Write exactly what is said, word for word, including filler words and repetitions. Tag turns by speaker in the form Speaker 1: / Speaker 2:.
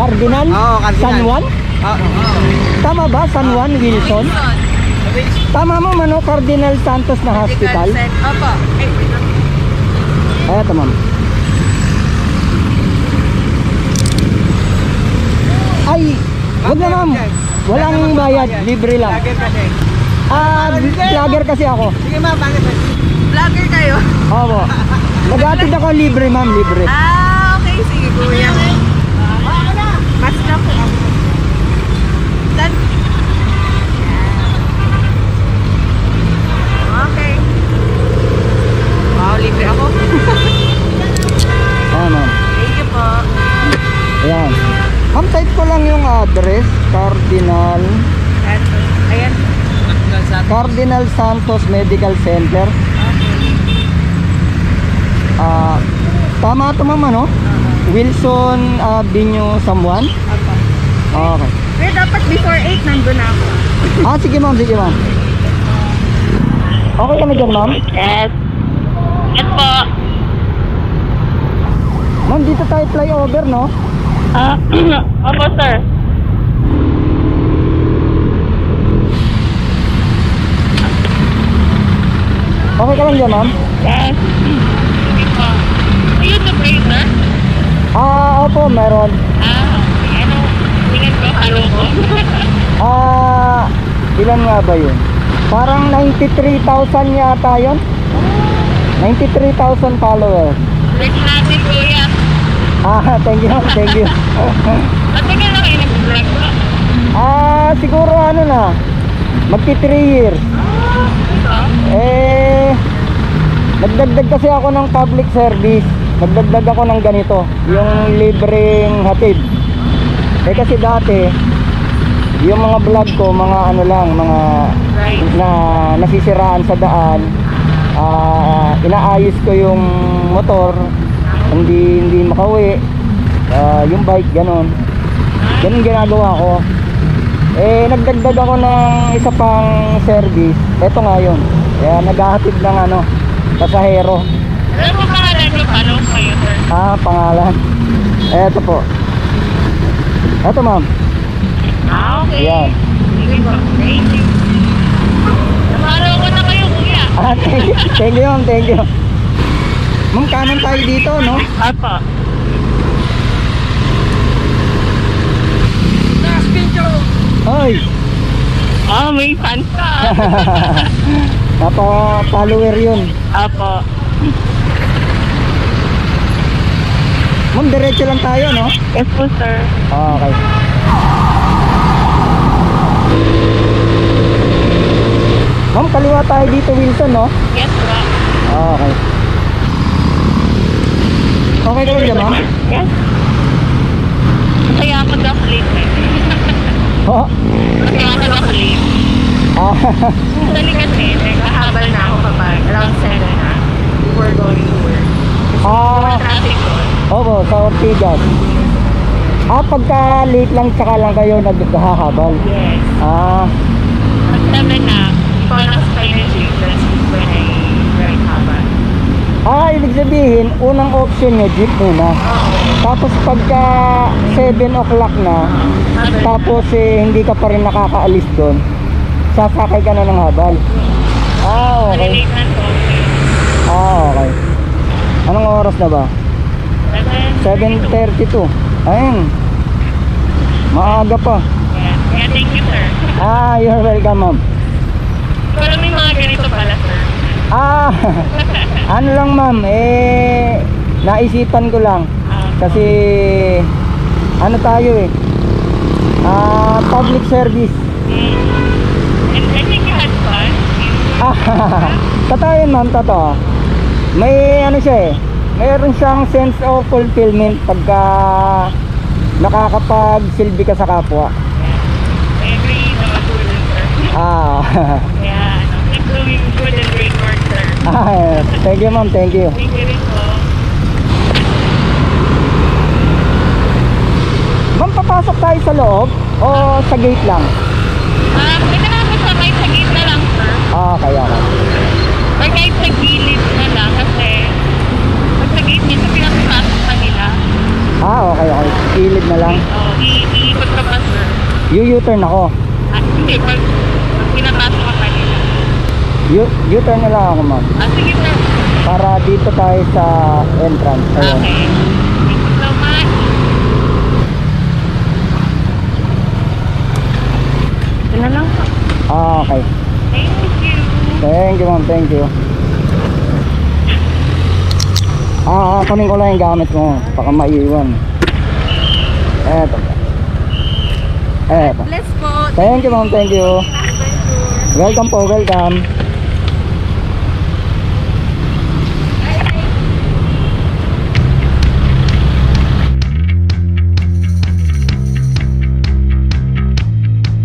Speaker 1: Cardinal?
Speaker 2: Oo, Cardinal.
Speaker 1: San Juan?
Speaker 2: Oo. Oo.
Speaker 1: Tama ba? San Juan, Wilson? Tama mo, mano? Cardinal Santos na hospital?
Speaker 3: Opo.
Speaker 1: Ay, ito, ma'am. Ay, wag na, ma'am. Walang bayad, libre lang.
Speaker 2: Vlogger kasi.
Speaker 1: Ah, vlogger kasi ako.
Speaker 2: Sige ma'am, bakit?
Speaker 3: Vlogger kayo?
Speaker 1: Opo. Nag-atid ako libre, ma'am, libre.
Speaker 3: Ah, okay. Sige, kuya. Mas na po ako. Done. Okay. Wow, libre ako.
Speaker 1: Ayan, ma'am.
Speaker 3: Thank you po.
Speaker 1: Ayan. Ma'am, type ko lang yung address. Cardinal.
Speaker 3: Eto. Ayan.
Speaker 1: Cardinal Santos Medical Center. Ah, tama ito, ma'am, ano? Wilson Avenue, San Juan?
Speaker 3: Opo.
Speaker 1: Okay.
Speaker 3: Pero dapat before eight nandun na ako.
Speaker 1: Ah, sige, ma'am, sige, ma'am. Okay kami dyan, ma'am?
Speaker 3: Yes. Yes po.
Speaker 1: Ma'am, dito tayo flyover, no?
Speaker 3: Ah, opo sir.
Speaker 1: Okay ka lang dyan, ma'am?
Speaker 3: Yes. Sige po. Ayun na ba yun, sir?
Speaker 1: Ah, opo, meron.
Speaker 3: Ah, ano? Tingnan ko, halo ko.
Speaker 1: Ah, ilan nga ba yun? Parang ninety-three thousand yata yun? ninety-three thousand followers.
Speaker 3: Like natin, kuya.
Speaker 1: Ah, thank you, thank you.
Speaker 3: Matagal na kayo nag-vlog ko.
Speaker 1: Ah, siguro ano na, magti three years.
Speaker 3: Ah,
Speaker 1: Eh, nagdagdag kasi ako ng public service. Nagdagdag ako ng ganito, yung libreng hatid. Eh kasi dati, yung mga vlog ko, mga ano lang, mga na nasisiraan sa daan. Ah, inaayos ko yung motor, hindi hindi makauwi. Ah, yung bike ganon. Ganun ginagawa ko. Eh nagdagdag ako ng isa pang service. Ito nga yun. Kaya naghahatid ng ano, pasahero.
Speaker 3: Alam mo pangalan ko, paano kayo, sir?
Speaker 1: Ah, pangalan. Eto po. Eto, ma'am.
Speaker 3: Ah, okay.
Speaker 1: Yan.
Speaker 3: Sige po. Thank you. Namaraw ko na kayo, kuya.
Speaker 1: Ah, thank you, thank you, ma'am, thank you. Ma'am, kanan tayo dito, no?
Speaker 3: Apa.
Speaker 1: Ay,
Speaker 3: Ah, may fans ka.
Speaker 1: napa-follower yun.
Speaker 3: Apo.
Speaker 1: Ma'am, diretso lang tayo, no?
Speaker 3: Yes po, sir.
Speaker 1: Ah, okay. Ma'am, kaliwa tayo dito, Wilson, no?
Speaker 3: Yes, po.
Speaker 1: Ah, okay. Okay ka lang dyan, ma'am?
Speaker 3: Yes. Masaya ako daw late.
Speaker 1: Oh.
Speaker 3: Masaya ako daw late.
Speaker 1: Ah,
Speaker 3: Actually kasi, nagkahabal na ako kapag around seven na. Before going to work. More
Speaker 1: ah,
Speaker 3: traffic ko.
Speaker 1: opo, sa Ortigas. Ah, pagka late lang tsaka lang kayo naghahabal.
Speaker 3: Yes.
Speaker 1: Ah,
Speaker 3: Pag seven na, ikaw na sa energy. That's when I ride habal.
Speaker 1: ah, ibig sabihin, unang option nyo, jeep muna.
Speaker 3: Oo.
Speaker 1: Tapos pagka seven o'clock na,
Speaker 3: Habal.
Speaker 1: tapos eh, hindi ka pa rin nakakaalis doon, sasakay ka na ng habal. Ah, okay.
Speaker 3: Malilate na to.
Speaker 1: Ah, okay. Anong oras na ba? seven thirty-two. Ayun. Maaga pa.
Speaker 3: Yeah. Yeah, thank you, sir.
Speaker 1: Ah, you're welcome, ma'am.
Speaker 3: Wala may mga ganito pala, sir.
Speaker 1: Ah, ano lang, ma'am, eh, naisipan ko lang.
Speaker 3: Ah,
Speaker 1: Kasi, ano tayo eh, ah, public service.
Speaker 3: mm. And I think you had fun.
Speaker 1: Ah, totoo yun, ma'am, totoo. May ano siya eh, mayroon siyang sense of fulfillment pagka nakakapagsilbi ka sa kapwa.
Speaker 3: I agree na matulog, sir.
Speaker 1: Ah,
Speaker 3: Yeah, ano, keep doing good and great work, sir.
Speaker 1: ah, thank you, ma'am, thank you.
Speaker 3: Thank you rin po.
Speaker 1: Ma'am, papasok tayo sa loob o sa gate lang?
Speaker 3: Ah, pwede na ako sabay sa gate na lang, sir.
Speaker 1: Ah, kaya ka.
Speaker 3: Or kahit sa gilid na lang kasi pag sa gate dito pinapasok pa nila.
Speaker 1: Ah, okay, okay. Gilid na lang.
Speaker 3: Oh,
Speaker 1: U-turn ako.
Speaker 3: Ah, hindi. Pag, pag pinapasok ka kanina.
Speaker 1: U- U-turn na lang ako, ma'am.
Speaker 3: Ah, sige po.
Speaker 1: Para dito tayo sa entrance. Ayun.
Speaker 3: Okay. Thank you so much. Ito na lang po.
Speaker 1: Ah, okay.
Speaker 3: Thank you.
Speaker 1: Thank you, ma'am. Thank you. Ah, ah, kunin ko lang yung gamit mo. Baka maiiwan. Eto. Eto.
Speaker 3: Bless po.
Speaker 1: Thank you, ma'am. Thank you.
Speaker 3: Thank you.
Speaker 1: Welcome po, welcome.